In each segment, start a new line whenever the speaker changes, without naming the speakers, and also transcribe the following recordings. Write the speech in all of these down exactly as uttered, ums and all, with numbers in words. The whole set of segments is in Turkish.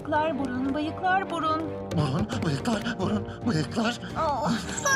Bıyıklar burun, bıyıklar burun.
Burun, bıyıklar, burun, bıyıklar.
Oh.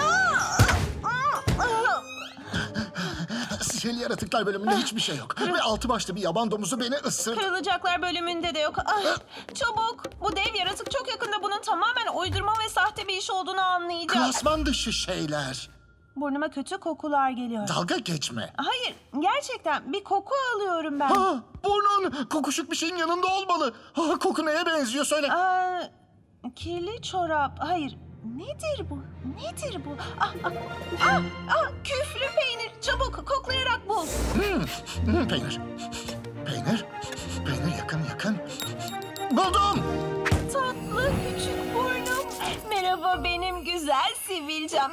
Sihirli yaratıklar bölümünde hiçbir şey yok. Ve altı başlı bir yaban domuzu beni ısırdı.
Kırılacaklar bölümünde de yok. Ah, çabuk. Bu dev yaratık çok yakında bunun tamamen uydurma ve sahte bir iş olduğunu anlayacak.
Klasman dışı şeyler.
Burnuma kötü kokular geliyor.
Dalga geçme.
Hayır, gerçekten bir koku alıyorum ben.
Ha, burnun kokuşuk bir şeyin yanında olmalı. Ha, koku neye benziyor söyle.
Aa, kirli çorap. Hayır. Nedir bu? Nedir bu? Ah, ah, ah, ah, küflü peynir. Çabuk koklayarak bul.
Hmm, hmm, peynir. Peynir. Peynir yakın yakın. Buldum.
Tatlı küçük burnum. Merhaba benim güzel sivilcem.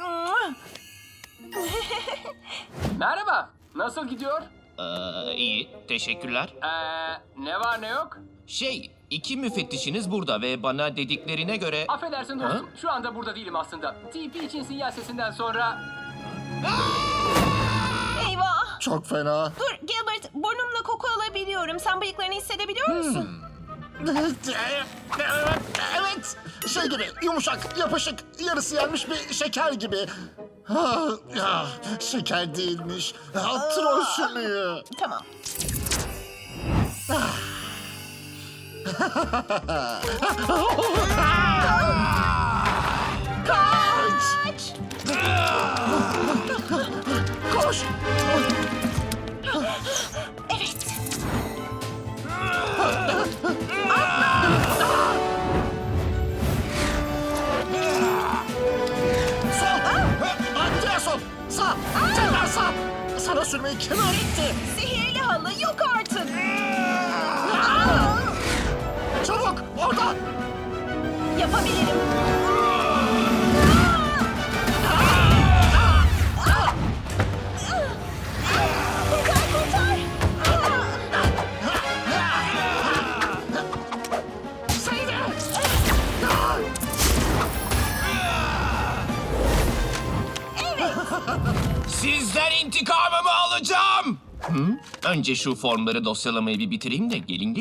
Merhaba, nasıl gidiyor?
Ee, iyi, teşekkürler.
Ee, ne var ne yok?
Şey, iki müfettişiniz burada ve bana dediklerine göre...
Affedersin dostum, şu anda burada değilim aslında. T P için sinyal sesinden sonra...
Eyvah.
Çok fena.
Dur Gilbert, burnumla koku alabiliyorum. Sen bıyıklarını hissedebiliyor musun?
Evet, evet. Şey gibi yumuşak, yapışık, yarısı yenmiş bir şeker gibi. Ha, ya, şeker değilmiş. Ha, troll sümüğü.
Tamam.
Kaç! Koş!
Evet.
Sol! Ha, diğer sol! Sağ! Tekrar sağ! Sana sürmeyi kim öğretti?
Sihirli halı yok artık.
Çabuk! Oradan!
Yapabilirim. Kurtar kurtar.
Seyre!
Sizden intikamımı alacağım! Hı? Önce şu formları dosyalamayı bir bitireyim de gelin